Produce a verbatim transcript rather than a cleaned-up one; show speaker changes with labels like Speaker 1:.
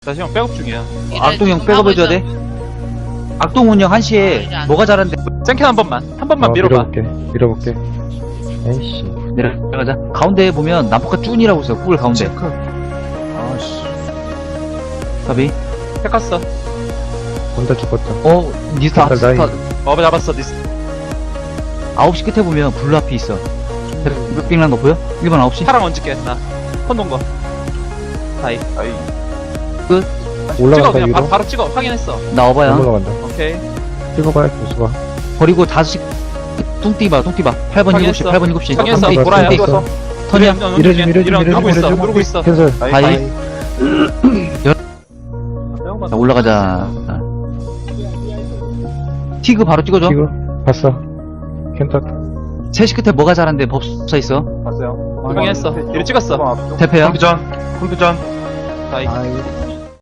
Speaker 1: 나 지금 백업 중이야.
Speaker 2: 악동 형 백업 해줘야 돼. 악동 운영 한 시에 뭐가 잘한데?
Speaker 1: 짱캔 한 번만. 한 번만
Speaker 3: 어,
Speaker 1: 밀어봐.
Speaker 3: 밀어볼게. 밀어볼게. 에이씨.
Speaker 2: 내려가자. 가운데 보면 남포카 쭈이라고 있어. 꿀 가운데.
Speaker 1: 아씨.
Speaker 2: 답이.
Speaker 1: 팩 갔어.
Speaker 3: 혼자 죽었다.
Speaker 2: 어, 니스타
Speaker 3: 색깔
Speaker 2: 스타.
Speaker 3: 나이.
Speaker 1: 어, 잡았어, 니스.
Speaker 2: 아홉 시 끝에 보면 블루 앞이 있어. 빙란 거 보여? 일 번 아홉 시.
Speaker 1: 파랑 얹을게, 나. 혼동 거. 다이. 아이.
Speaker 2: 끝.
Speaker 1: 찍어,
Speaker 3: 올라간다,
Speaker 1: 그냥
Speaker 3: 위로.
Speaker 1: 바로, 바로 찍어. 확인했어.
Speaker 2: 나 어바야.
Speaker 3: 안 올라간다.
Speaker 1: 오케이.
Speaker 3: 찍어봐야 교수가.
Speaker 2: 버리고 다섯 시. 뚱띠 봐, 뚱띠 봐. 팔 번 일곱 시,
Speaker 1: 확인했어.
Speaker 2: 팔 번 일곱 시.
Speaker 1: 확인했어.
Speaker 2: 뚱띠,
Speaker 1: 돌아요.
Speaker 2: 뚱띠.
Speaker 3: 찍었어.
Speaker 2: 턴이야.
Speaker 3: 이래줌, 이래줌,
Speaker 1: 이런,
Speaker 3: 이래줌,
Speaker 1: 누르고 있어,
Speaker 3: 이래줌.
Speaker 1: 누르고 있어.
Speaker 3: 캔슬.
Speaker 2: 다이. 자, 올라가자. 티그 바로 찍어줘.
Speaker 3: 지금 봤어. 캔터.
Speaker 2: 세 시 끝에 뭐가 잘한데 법사 있어.
Speaker 1: 봤어요. 확인했어. 이리 찍었어.
Speaker 2: 대패야.
Speaker 4: 컴퓨전 컴퓨전
Speaker 1: 다이.
Speaker 3: 아이.